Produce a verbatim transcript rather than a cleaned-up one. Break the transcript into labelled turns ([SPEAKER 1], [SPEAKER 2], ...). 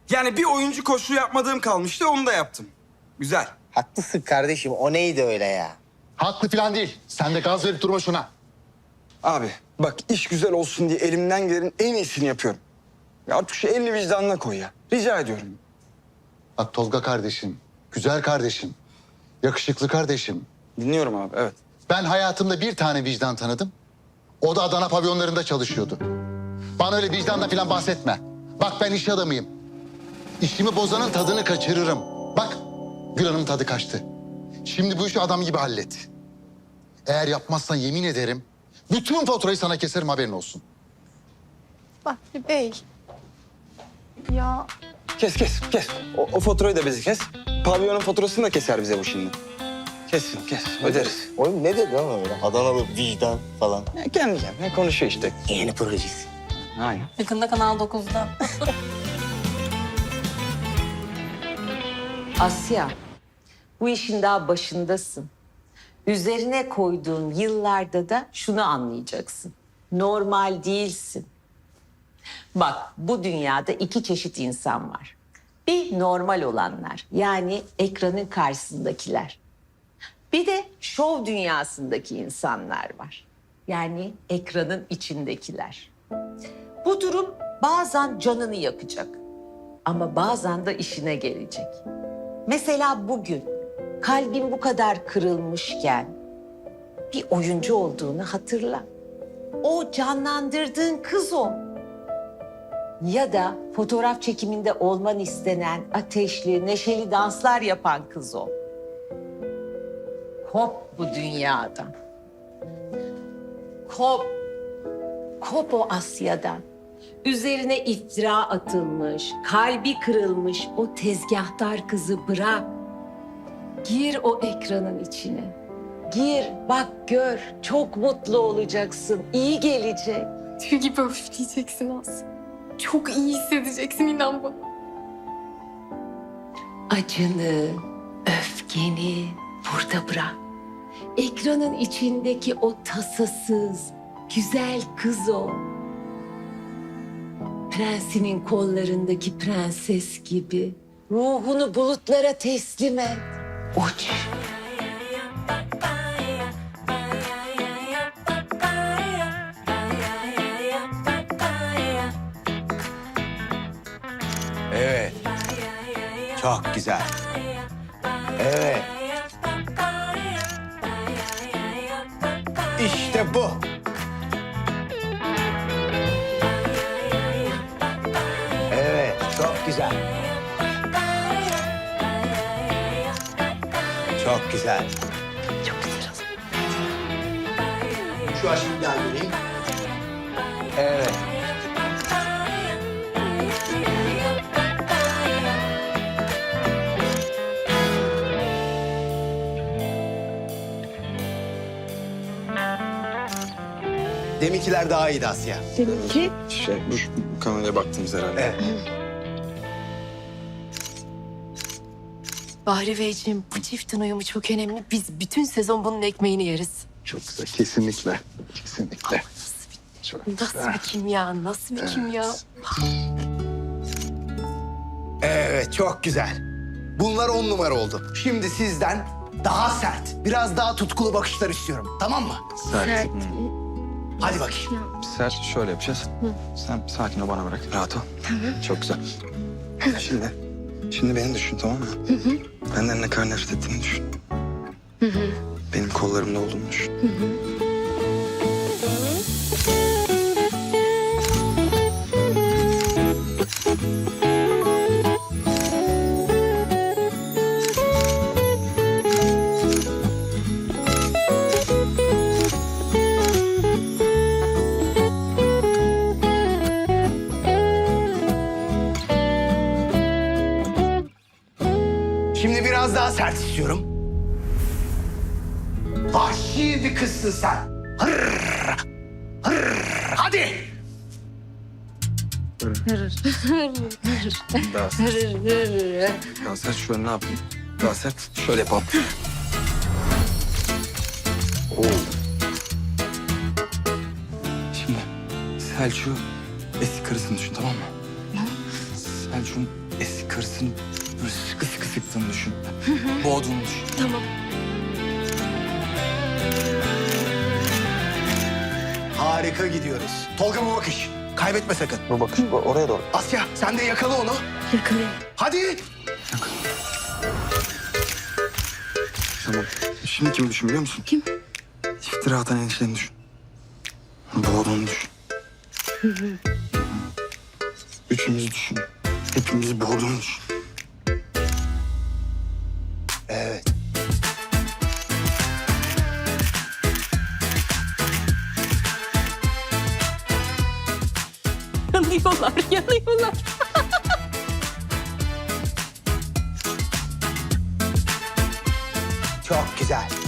[SPEAKER 1] Yani bir oyuncu koşu yapmadığım kalmıştı, onu da yaptım. Güzel.
[SPEAKER 2] Haklısın kardeşim. O neydi öyle ya?
[SPEAKER 3] Haklı falan değil. Sen de gaz verip durma şuna.
[SPEAKER 1] Abi bak, iş güzel olsun diye elimden gelenin en iyisini yapıyorum. Ya artık şu elini vicdanına koy ya. Rica ediyorum.
[SPEAKER 3] Bak Tolga kardeşim, güzel kardeşim, yakışıklı kardeşim.
[SPEAKER 1] Dinliyorum abi, evet.
[SPEAKER 3] Ben hayatımda bir tane vicdan tanıdım. O da Adana pavyonlarında çalışıyordu. Bana öyle vicdanla falan bahsetme. Bak ben iş adamıyım. İşimi bozanın tadını kaçırırım. Bak Gül Hanım'ın tadı kaçtı. Şimdi bu işi adam gibi hallet. Eğer yapmazsan yemin ederim bütün faturayı sana keserim, haberin olsun.
[SPEAKER 4] Bahri Bey. Ya
[SPEAKER 1] Kes kes kes. O, o faturayı da bizi kes. Pavyonun faturasını da keser bize bu şimdi. Kessin kes, öderiz.
[SPEAKER 2] Oğlum ne dedi ama öyle? Adanalı vicdan falan.
[SPEAKER 1] Ya kendi kendine konuşuyor işte.
[SPEAKER 2] Yeni projesi.
[SPEAKER 1] Aynen.
[SPEAKER 4] yakında Kanal dokuzda.
[SPEAKER 5] Asya, bu işin daha başındasın. Üzerine koyduğun yıllarda da şunu anlayacaksın. Normal değilsin. Bak, bu dünyada iki çeşit insan var. Bir normal olanlar, yani ekranın karşısındakiler. Bir de şov dünyasındaki insanlar var. Yani ekranın içindekiler. Bu durum bazen canını yakacak. Ama bazen de işine gelecek. Mesela bugün kalbin bu kadar kırılmışken bir oyuncu olduğunu hatırla. O canlandırdığın kız o. Ya da fotoğraf çekiminde olman istenen ateşli, neşeli danslar yapan kız o. Kop bu dünyadan. Kop. Kop o Asya'dan. Üzerine iftira atılmış, kalbi kırılmış o tezgahtar kızı bırak. Gir o ekranın içine. Gir, bak gör. Çok mutlu olacaksın. İyi gelecek.
[SPEAKER 4] Tüy gibi öfleyeceksin Asya. Çok iyi hissedeceksin, inan bana.
[SPEAKER 5] Acını, öfkeni burada bırak. Ekranın içindeki o tasasız, güzel kız o. Prensinin kollarındaki prenses gibi. Ruhunu bulutlara teslim et. Uç.
[SPEAKER 2] Evet. Çok güzel. Evet. İşte bu. Evet, çok güzel. Çok güzel.
[SPEAKER 4] Çok güzel oldu.
[SPEAKER 2] Şu aşkı bir daha göreyim. Evet. Deminkiler daha iyiydi Asya.
[SPEAKER 4] Seninki?
[SPEAKER 1] Şey, bu, bu kameraya baktınız herhalde.
[SPEAKER 2] Evet.
[SPEAKER 4] Bahri Beyciğim, bu çiftin uyumu çok önemli. Biz bütün sezon bunun ekmeğini yeriz.
[SPEAKER 3] Çok güzel, kesinlikle. Kesinlikle. Çok
[SPEAKER 4] Nasıl bir kimya, nasıl bir kimya?
[SPEAKER 2] Evet, çok güzel. Bunlar on numara oldu. Şimdi sizden daha sert, biraz daha tutkulu bakışlar istiyorum. Tamam mı?
[SPEAKER 1] Sert.
[SPEAKER 2] Hadi bakayım.
[SPEAKER 1] Sert şöyle yapacağız. Sen sakin ol, bana bırak. Rahat ol. Çok güzel. Şimdi, şimdi beni düşün, tamam mı? Benden ne kadar nefret ettiğini düşün. Benim kollarımda olduğunu düşün.
[SPEAKER 2] Şimdi biraz daha sert istiyorum. Vahşi bir kızsın sen. Hırr, hırr, hadi.
[SPEAKER 1] Daha sert. Daha sert şöyle ne yapayım? Daha sert şöyle yapalım. Oo. Şimdi Selçuk'u eski karısını düşün, tamam mı? Selçuk'un eski karısını böyle sıkı sıkı sıktığını düşün. Boğduğunu düşün.
[SPEAKER 4] Tamam.
[SPEAKER 2] Harika gidiyoruz. Tolga bu bakış. Kaybetme sakın.
[SPEAKER 1] Bu bakış bu, oraya doğru.
[SPEAKER 2] Asya sen de yakala onu.
[SPEAKER 4] Yakalayayım.
[SPEAKER 2] Hadi.
[SPEAKER 1] Tamam. Şimdi kimi düşün biliyor musun?
[SPEAKER 4] Kim?
[SPEAKER 1] İftira atan enişteni düşün. Boğduğunu düşün. Üçümüzü düşün. Hepimizi boğduğunu düşün.
[SPEAKER 2] Evet.
[SPEAKER 4] Yanıyorlar, yanıyorlar.
[SPEAKER 2] Çok güzel.